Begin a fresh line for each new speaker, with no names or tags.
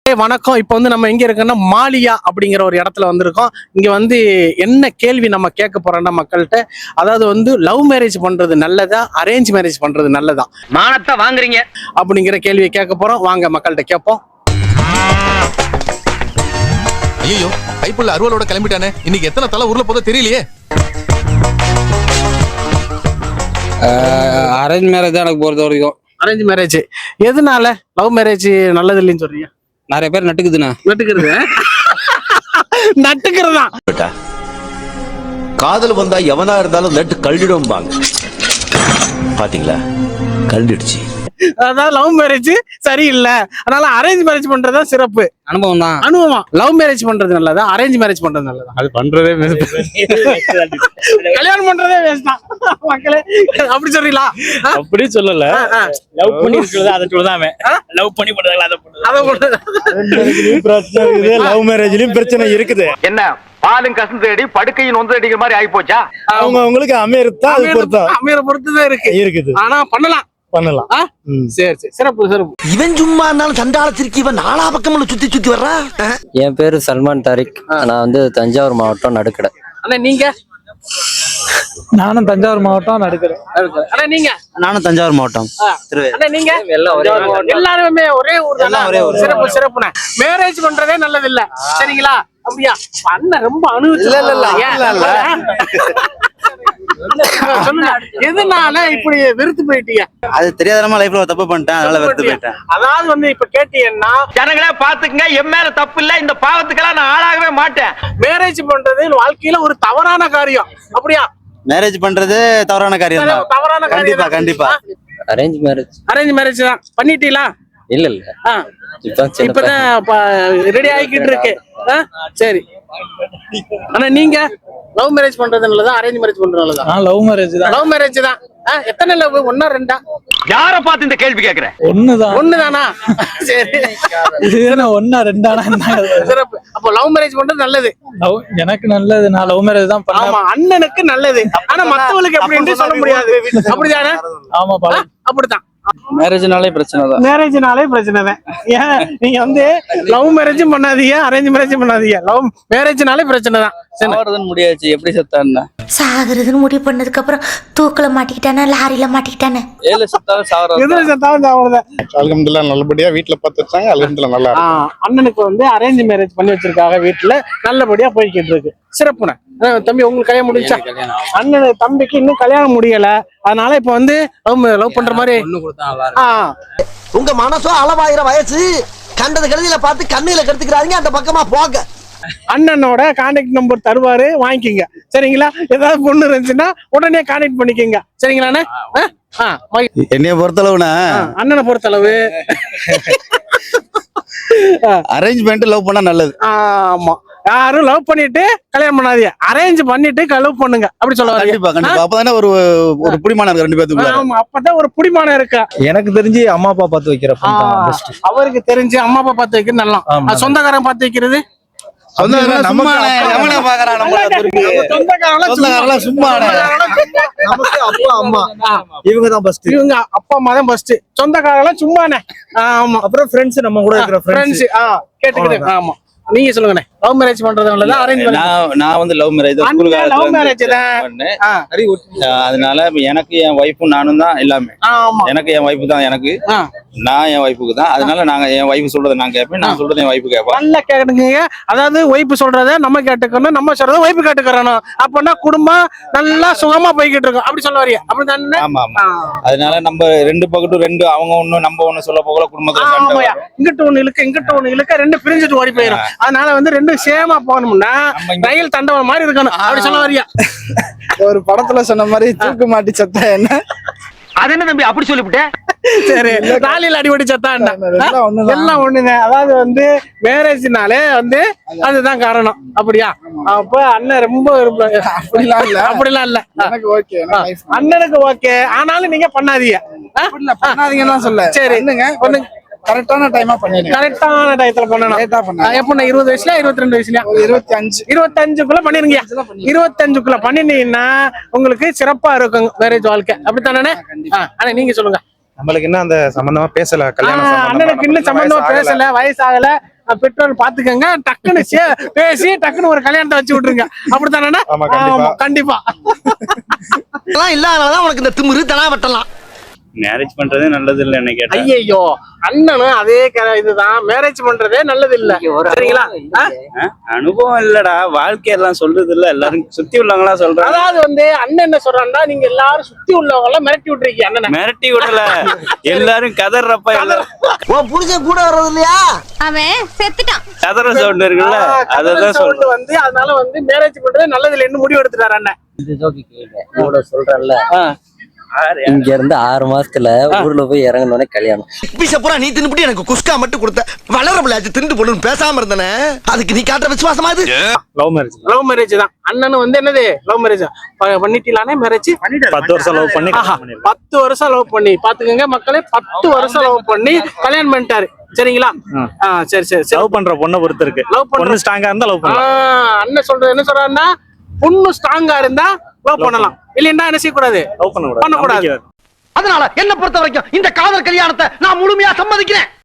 வணக்கம். இப்போ வந்து நம்ம எங்க இருக்கோம்னா மாலியா அப்படிங்கிற ஒரு இடத்துல வந்திருக்கோம். இங்க வந்து என்ன கேள்வி நம்ம கேட்க போறோம்னா மக்கள்கிட்ட, அதாவது வந்து லவ் மேரேஜ் பண்றது நல்லதா, அரேஞ்ச் மேரேஜ் பண்றது நல்லதா,
மானத்தை வாங்குறீங்க
அப்படிங்கிற கேள்வியை கேட்க போறோம். வாங்க மக்கள்கிட்ட கேட்போம்.
ஐயோ, கைப்புள்ள அருவாளோட கிளம்பிட்டானே. இன்னைக்கு எத்தனை தலை ஊர்ல போதோ தெரியலையே.
அரேஞ்ச் மேரேஜ் தான் எனக்கு பொறுத்த வரைக்கும்.
அரேஞ்ச் மேரேஜ் எதனால லவ் மேரேஜ் நல்லது இல்லைன்னு சொல்றீங்க?
நிறைய பேர் நட்டுக்குதுண்ணா.
நட்டுக்கிறது நட்டுக்கிறதா?
காதல் வந்தா எவனா இருந்தாலும் நட்டு கழடிடும் பாத்தீங்களா, கழடிடுச்சு.
அதாவது லவ் மேரேஜ் சரியில்லை, அதனால அரேஞ்ச் மேரேஜ் பண்றதா சிறப்பு.
அனுபவம் தான்.
அனுபவம். லவ் மேரேஜ் பண்றது நல்லதா, அரேஞ்ச் மேரேஜ் பண்றது நல்லதா?
அது பண்றதே
கல்யாணம் பண்றதே வேஸ்ட் தான் மக்களே. அப்படி சொல்றீங்களா?
அப்படி சொல்லல. லவ் பண்ணி இருக்கிறது அதை சொல்லுதான். லவ் பண்ணி பண்றாங்க அதை
பிரச்சனை. லவ் மேரேஜ்லயும் பிரச்சனை இருக்குது.
என்ன பாலும் கசந்து தேடி படுக்கையின் வந்து அடிக்கிற மாதிரி ஆகி போச்சா?
அவங்க அவங்களுக்கு
அமையற பொறுத்துதான் இருக்குது. ஆனா பண்ணலாம். சரி சரி, சிறப்பு சிறப்பு.
இவன் சும்மா இருந்தாலும் சண்டால திருக்கி இவன் நாலா பக்கம் சுத்தி வர்றா.
என் பேரு சல்மான் தாரிக். நான் வந்து தஞ்சாவூர் மாவட்டம் நடுக்கடை.
அண்ணா நீங்க?
நானும் தஞ்சாவூர் மாவட்டம் நடுக்கிறேன்.
அண்ணா நீங்க?
நானும் தஞ்சாவூர் மாவட்டம்.
அண்ணா நீங்க? எல்லாருமே ஒரே ஊர் தான். சிறப்பு சிறப்புண்ணே. மேரேஜ் பண்றதே நல்லது இல்ல, சரிங்களா? அப்படியா? அண்ணன் ரொம்ப அனுபவிச்சு. சொல்லுங்க, எதனால இப்படி வெறுத்து போயிட்டீங்க?
அது தெரியாதனமா லைஃப்ல தப்பு பண்ணிட்டேன், அதனால வெறுத்து போயிட்டேன்.
அதாவது வந்து இப்ப கேட்டீங்கன்னா,
ஜனங்களே பாத்துக்கங்க, என் மேல தப்பு இல்ல, இந்த பாவத்துக்கெல்லாம் நான் ஆளாகவே மாட்டேன்.
மேரேஜ் பண்றது வாழ்க்கையில ஒரு தவறான காரியம். அப்படியா?
மேரேஜ் பண்றது தவறான காரியம் தான்.
தவறான காரியம்.
கண்டிப்பா கண்டிப்பா.
Arrange marriage.
அரேஞ்ச் மேரேஜ் தான் பண்ணிட்டீங்களா?
இல்ல இல்ல,
இப்பதான் ரெடி ஆகிக்கிட்டு இருக்கு. சரி. ஆனா நீங்க லவ் மேரேஜ் பண்றது நல்லதா, அரேஞ்ச் மேரேஜ் பண்றது நல்லதா?
லவ் மேரேஜ் தான்.
லவ் மேரேஜ் தான். எத்தனை லவ்? ஒன்னா ரெண்டா?
யார பார்த்து இந்த கேள்வி கேக்குற?
ஒண்ணுதானா? சரி,
ஒன்னா ரெண்டானா?
சிறப்பு. அப்போ லவ் மேரேஜ் பண்றது நல்லது.
எனக்கு நல்லது. நான் லவ் மேரேஜ் தான் பண்ணேன்.
ஆமா, அண்ணனுக்கு நல்லது. ஆனா மத்தவங்களுக்கு எப்படி சொல்ல முடியாது. அப்படிதானே?
ஆமா,
அப்படித்தான்.
மேரேஜ்னாலே பிரச்சனை தான்.
மேரேஜ்னாலே பிரச்சனை தான். ஏன் நீங்க வந்து லவ் மேரேஜும் பண்ணாதீங்க, அரேஞ்ச் மேரேஜும் பண்ணாதீங்க. லவ் மேரேஜ்னாலே பிரச்சனை தான்.
முடியாச்சு. எப்படி செத்தான்னா?
சாகுறதுன்னு முடிவு பண்ணதுக்கு அப்புறம் தூக்கில மாட்டிக்கிட்டானே, லாரியில மாட்டிக்கிட்டானே.
எதுல செத்தாலும்
சாகுறது.
அல்ஹம்துலில்லாஹ் நல்லபடியா வீட்டுல பார்த்து வச்சாங்க. அல்ஹம்துலில்லாஹ் நல்லா.
அண்ணனுக்கு வந்து அரேஞ்ச் மேரேஜ் பண்ணி வச்சிருக்காங்க, வீட்டுல நல்லபடியா போய்கிட்டு இருக்கு. சிறப்புண்ணே. தம்பி, உங்களுக்கு கல்யாணம் முடிஞ்சா? அண்ணனு தம்பிக்கு இன்னும் கல்யாணம் முடியல, அதனால இப்ப வந்து லவ் பண்ற மாதிரி.
உங்க மனசோ அளவாயிர வயசு, கண்டது கழுதியில பார்த்து கண்ணுல கெடுத்துக்கிறாங்க. அந்த பக்கமா போக.
அண்ணனோட கான்டாக்ட் நம்பர் தருவாரு, வாங்கிக்கோங்க. சரிங்களா? ஏதாவது பொண்ணு இருந்துச்சுன்னா உடனே கான்டாக்ட் பண்ணிக்கோங்க. சரிங்களாண்ணே?
என்னைய பொறுத்தளவுனா,
அண்ணனை பொறுத்தளவு
அரேஞ்ச் பண்ணிட்டு லவ் பண்ணா நல்லது.
ஆமா, யாரும் லவ் பண்ணிட்டு கல்யாணம் பண்ணாதீங்க, அரேஞ்ச் பண்ணிட்டு லவ் பண்ணுங்க. அப்படி சொல்ல வரீங்க?
கண்டிப்பா கண்டிப்பா. அப்பதானே ஒரு புடிமானம் இருக்கு ரெண்டு பேத்துக்குள்ள.
ஆமா, அப்பதான் ஒரு புடிமானம் இருக்கு.
எனக்கு தெரிஞ்சு அம்மா அப்பா பார்த்து வைக்கிற
அவருக்கு தெரிஞ்சு அம்மா அப்பா பார்த்து வைக்கிறது நல்லா. சொந்தக்காரன் பார்த்து வைக்கிறது
இவங்க
அப்பா அம்மா தான் ஃபர்ஸ்ட். சொந்தக்காரங்க சும்மானே. ஆமா,
அப்புறம் ஃப்ரெண்ட்ஸ், நம்ம கூட இருக்கிற ஃப்ரெண்ட்ஸ்.
கேட்டுக்கிட்டு. ஆமா, நீங்க சொல்லுங்கண்ணே. லவ் மேரேஜ் பண்றது நல்லதா, அரேஞ்ச் மேரேஜ்?
நான் வந்து லவ் மேரேஜ் தான்.
லவ் மேரேஜ் தான்.
அதனால எனக்கு என் வைஃபும் நானும் தான் எல்லாமே. எனக்கு என் வைஃப் தான் எனக்கு, நான் என் வைஃபுக்கு தான். அதனால நாங்க என் வைஃப் சொல்றதை நான் கேட்பேன், நான் சொல்றதை என் வைஃப் கேட்பேன்.
நல்லா கேட்டுக்கீங்க. அதாவது வைஃப் சொல்றதை நம்ம கேட்டுக்கணும், நம்ம சொல்றதை வைஃப் கேட்டுக்கிறணும். அப்பனா குடும்பம் நல்லா சுகமா போய்கிட்டு இருக்கும். அப்படி சொல்ல வரீங்க? அப்படிதானே?
ஆமா ஆமா. அதனால நம்ம ரெண்டு பக்கட்டும் ரெண்டு, அவங்க ஒண்ணு நம்ம ஒண்ணு சொல்ல போகல. குடும்பத்துல
இங்கிட்ட ஒண்ணு இழுக்க இங்கிட்ட ஒண்ணு இழுக்க, ரெண்டு பிரிஞ்சுட்டு ஓடி போயிடும். அதனால வந்து ரெண்டு சேமா போகணும்னா ரயில் தண்டவன் மாதிரி இருக்கணும். அப்படி சொல்ல வரியா?
ஒரு படத்துல சொன்ன மாதிரி தூக்கு மாட்டி சத்தா என்ன?
அது என்ன தம்பி அப்படி சொல்லிவிட்டேன்?
சரி, ராலியில் அடிபடி சத்தா எல்லாம் ஒண்ணுங்க. அதாவது வந்து மேரேஜ்னாலே வந்து அதுதான் காரணம். அப்படியா? அப்ப அண்ணன் ரொம்ப அப்படிலாம் இல்ல. அண்ணனுக்கு ஓகே, ஆனாலும் நீங்க பண்ணாதீங்க.
பண்ணாதீங்கன்னு சொல்ல.
சரி,
கரெக்டான டைமா பண்ணிடுங்க.
கரெக்டான டயத்துல பண்ணணும். எப்ப 20 வயசுல 22 வயசுல 25 பண்ணிருங்க. 25 பண்ணினீங்கன்னா உங்களுக்கு சிறப்பா இருக்கும் மேரேஜ் வாழ்க்கை. அப்படித்தானே? ஆனா நீங்க சொல்லுங்க.
நம்மளுக்கு இன்னும் அந்த சம்பந்தமா பேசல. கல்யாணம்
அண்ணனுக்கு இன்னும் சம்பந்தமா பேசல, வயசாகல. பெற்றோர் பாத்துக்கங்க, டக்குன்னு பேசி டக்குன்னு ஒரு கல்யாணத்தை வச்சு விட்டுருங்க. அப்படித்தானே?
ஆமா, கண்டிப்பா.
கண்டிப்பா.
அதெல்லாம் இல்லாதனாலதான் உனக்கு இந்த திமிரு தனா வெட்டலாம்.
மேரேஜ் பண்றதே நல்லது இல்ல என்ன கேட்டா.
ஐயோ, அண்ணனும் அதே இதுதான், மேரேஜ் பண்றதே நல்லது இல்ல. சரிங்களா?
அனுபவம் இல்லடா, வாழ்க்கையெல்லாம் சொல்றது இல்ல, எல்லாரும் சுத்தி உள்ளவங்களா சொல்றாங்க.
அதாவது வந்து அண்ணன் என்ன சொல்றான்னா, நீங்க எல்லாரும் சுத்தி உள்ளவங்க எல்லாம் மிரட்டி விட்டுருக்கீங்க அண்ணனை.
மிரட்டி விடல, எல்லாரும் கதறப்ப
உன் புருஷன் கூட வர்றது இல்லையா?
அவன் செத்துட்டான்.
கதற சவுண்ட் இருக்குல்ல, அததான் சொல்றேன்.
வந்து அதனால வந்து மேரேஜ் பண்றதே நல்லது இல்லைன்னு முடிவு எடுத்துட்டாரு அண்ணன்.
சொல்றேன்ல, இங்க இருந்து 6 மாசத்துல ஊர்ல போய் இறங்கினோடனே கல்யாணம்.
பூரா நீ தின்னுபிட்டு எனக்கு குஸ்கா மட்டும் கொடுத்த வளர பிள்ளையாச்சு திண்டு போடணும் பேசாம இருந்தனே. அதுக்கு நீ காட்டுற விசுவாசமா இது?
லவ் மேரேஜ் தான். அண்ணன் வந்து என்னது லவ் மேரேஜ் பண்ணிட்டீங்களானே மேரேஜ்
10 வருஷம் லவ் பண்ணி
10 வருஷம் லவ் பண்ணி பாத்துக்கங்க மக்களே, 10 வருஷம் லவ் பண்ணி கல்யாணம் பண்ணிட்டாரு. சரிங்களா? சரி சரி சரி.
லவ் பண்ற பொண்ணை பொறுத்து இருக்கு.
லவ்
பொண்ணு ஸ்ட்ராங்கா இருந்தா லவ் பண்ணலாம்.
அண்ணன் சொல்றது என்ன சொல்றாருன்னா, பொண்ணு ஸ்ட்ராங்கா இருந்தா லவ் பண்ணலாம், இல்லைன்னா என்ன செய்யக்கூடாது,
லவ் பண்ணக்கூடாது.
பண்ணக்கூடாது.
அதனால என்ன பொறுத்த வரைக்கும் இந்த காதல் கல்யாணத்தை நான் முழுமையா சம்மதிக்கிறேன்.